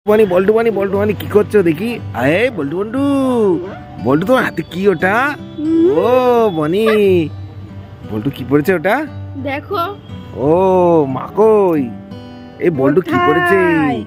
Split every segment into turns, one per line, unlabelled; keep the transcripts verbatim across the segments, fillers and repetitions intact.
বানি বল্টু বানি বল্টু বানি কি করছো দেখি? আরে বল্টু বল্টু বল্টু তো হাতে কি ওটা? ও বনি বল্টু কি পড়েছে ওটা?
দেখো।
ও মাকই এই বল্টু কি পড়েছে?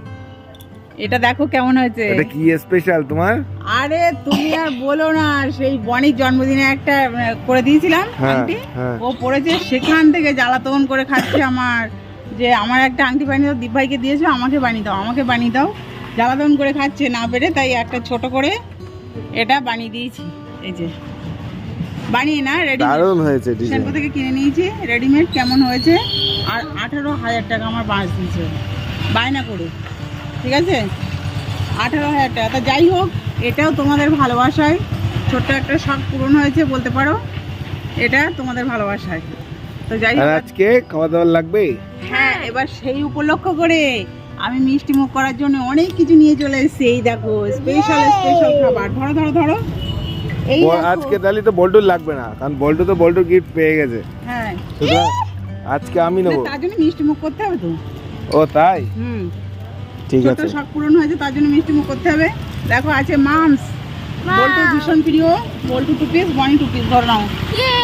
এটা দেখো কেমন হয়েছে।
এটা কি স্পেশাল তোমার?
আরে তুমি আর বলো না, সেই বনির জন্মদিনে একটা করে দিয়েছিলাম আংটি, ও পড়েছে, সেখান থেকে জ্বালাতন করে খাচ্ছে আমার, যে আমার একটা আংটি বানিয়ে দাও, দীপ ভাইকে দিয়েছো, আমাকে বানিয়ে দাও আমাকে বানিয়ে দাও, জ্বালাতন করে খাচ্ছে না পেরে, তাই একটা ছোট করে এটা বানিয়ে দিয়েছি। এই যে বানিয়ে না রেডি,
দারুণ হয়েছে,
শ্যাম্পু থেকে কিনে নিয়েছি রেডিমেড। কেমন হয়েছে? আর আঠারো হাজার টাকা আমার বাঁশ দিয়েছে বায়না করে, ঠিক আছে? আঠারো হাজার টাকা। তা যাই হোক, এটাও তোমাদের ভালোবাসায় ছোট্ট একটা শখ পূরণ হয়েছে বলতে পারো, এটা তোমাদের ভালোবাসায়। তো যাই হোক,
আজকে খাওয়া দাওয়া লাগবে।
হ্যাঁ, এবার সেই উপলক্ষ করে আমি মিষ্টি মুখ করার জন্য অনেক কিছু নিয়ে চলে এসেছি। এই দেখো স্পেশাল স্পেশাল খাবার, ধরো ধরো ধরো। এই
আজকে তাহলে তো বল্টুর লাগবে না, কারণ বল্টু তো বল্টুর গিফট পেয়ে গেছে।
হ্যাঁ,
সুতরাং আজকে আমি নেবো।
তার জন্য মিষ্টি মুখ করতে হবে তো।
ও তাই?
হুম,
ঠিক
ছোট
আছে।
শখ পূরণ হয়েছে, তার জন্য মিষ্টি মুখ করতে হবে। দেখো আছে মামস, বল্টুর ভীষণ প্রিয়, Boltu two piece, Bony two piece, ধরে নাও।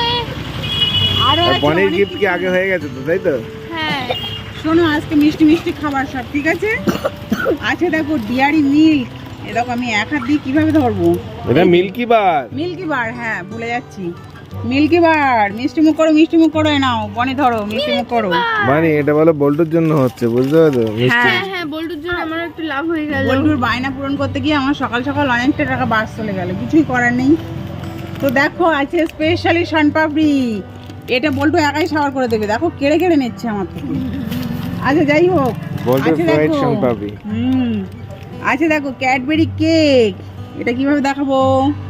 আরো আছে
বনির
অনেক
গিফট কি
কিছু।
আগে হয়ে গেছে তো, তাই তো?
হ্যাঁ,
শোনো, আজকে মিষ্টি মিষ্টি খাবার সব, ঠিক আছে? আছে দেখো ডিয়ারি মিল্ক, এ দেখো আমি এক হাত দিয়ে কিভাবে ধরবো।
এটা মিল্কি বার।
মিল্কি বার, হ্যাঁ ভুলে যাচ্ছি, মিল্কি বার। মিষ্টি মুখ করো, মিষ্টি মুখ করো, এ নাও বনি ধরো, মিষ্টি মুখ করো।
মানে এটা বলো বল্টুর জন্য হচ্ছে, বুঝতে পারছো? মিষ্টি
হ্যাঁ হ্যাঁ, বল্টুর জন্য আমার একটু লাভ হয়ে গেল।
বল্টুর বায়না পূরণ করতে গিয়ে আমার সকাল সকাল অনেকটা টাকা বাস চলে গেল, কিছুই করার নেই। তো দেখো আছে স্পেশালি শনপাপড়ি, এটা বল্টু একাই সাওয়ার করে দেবে, দেখো কেড়ে কেড়ে নিচ্ছে আমার থেকে। আচ্ছা যাই হোক,
বল্টুর
আছে
ফ্রাইড
দেখো,
শনপাপড়ি।
হুম আছে দেখো ক্যাডবেরি কেক, এটা কিভাবে দেখাবো?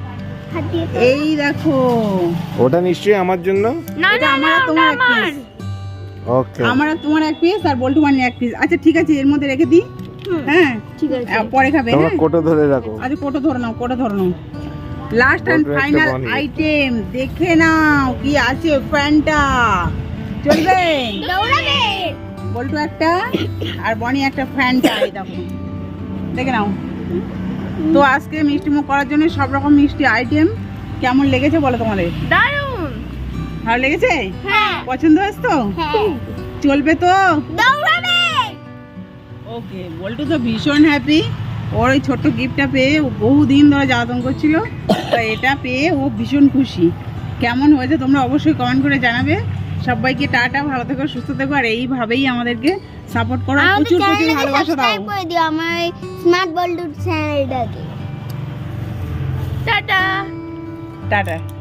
এই দেখো,
ওটা নিশ্চয়ই আমার জন্য।
না
এটা
না
আমার আর তোমার এক পিস,
ওকে।
আমার আর তোমার এক পিস, আর বল্টু বানিয়ে এক পিস। আচ্ছা ঠিক আছে, এর মধ্যে রেখে দিই। হ্যাঁ
ঠিক আছে।
আহ, পরে খাবে।
তোমরা
হ্যাঁ,
কোটো ধরে রাখো।
আচ্ছা কোটো ধরে নাও, কোটো ধরে নাও। লাস্ট এন্ড
বল্টুর একটা
ফাইনাল
বানিয়ে।
আইটেম দেখে নাও কি আছে। ফ্যান্টা চলবে?
দৌড়াবে।
বল্টু একটা আর বনি একটা ফ্যান্টা, এই দেখো দেখে নাও। তো আজকে মিষ্টি মুখ করার জন্য সব রকম মিষ্টি আইটেম। কেমন লেগেছে বলো তোমাদের?
দারুণ।
ভালো লেগেছে?
হ্যাঁ
পছন্দ হয়েছে তো?
হ্যাঁ,
চলবে তো?
দৌড়াবে।
ওকে, বল্টু তো ভীষণ হ্যাপি। ওর ওই ছোট্ট গিফটটা পেয়ে ও বহুদিন ধরে জ্বালাতন করছিল, তো এটা পেয়ে ও ভীষণ খুশি। কেমন হয়েছে তোমরা অবশ্যই কমেন্ট করে জানাবে। সবাইকে টাটা, ভালো থেকো, সুস্থ থেকো, আর এইভাবেই আমাদেরকে সাপোর্ট করো, প্রচুর প্রচুর ভালোবাসা দাও।
করে দিও আমার স্মার্ট বল্টু চ্যানেলটাকে। Tata
tata.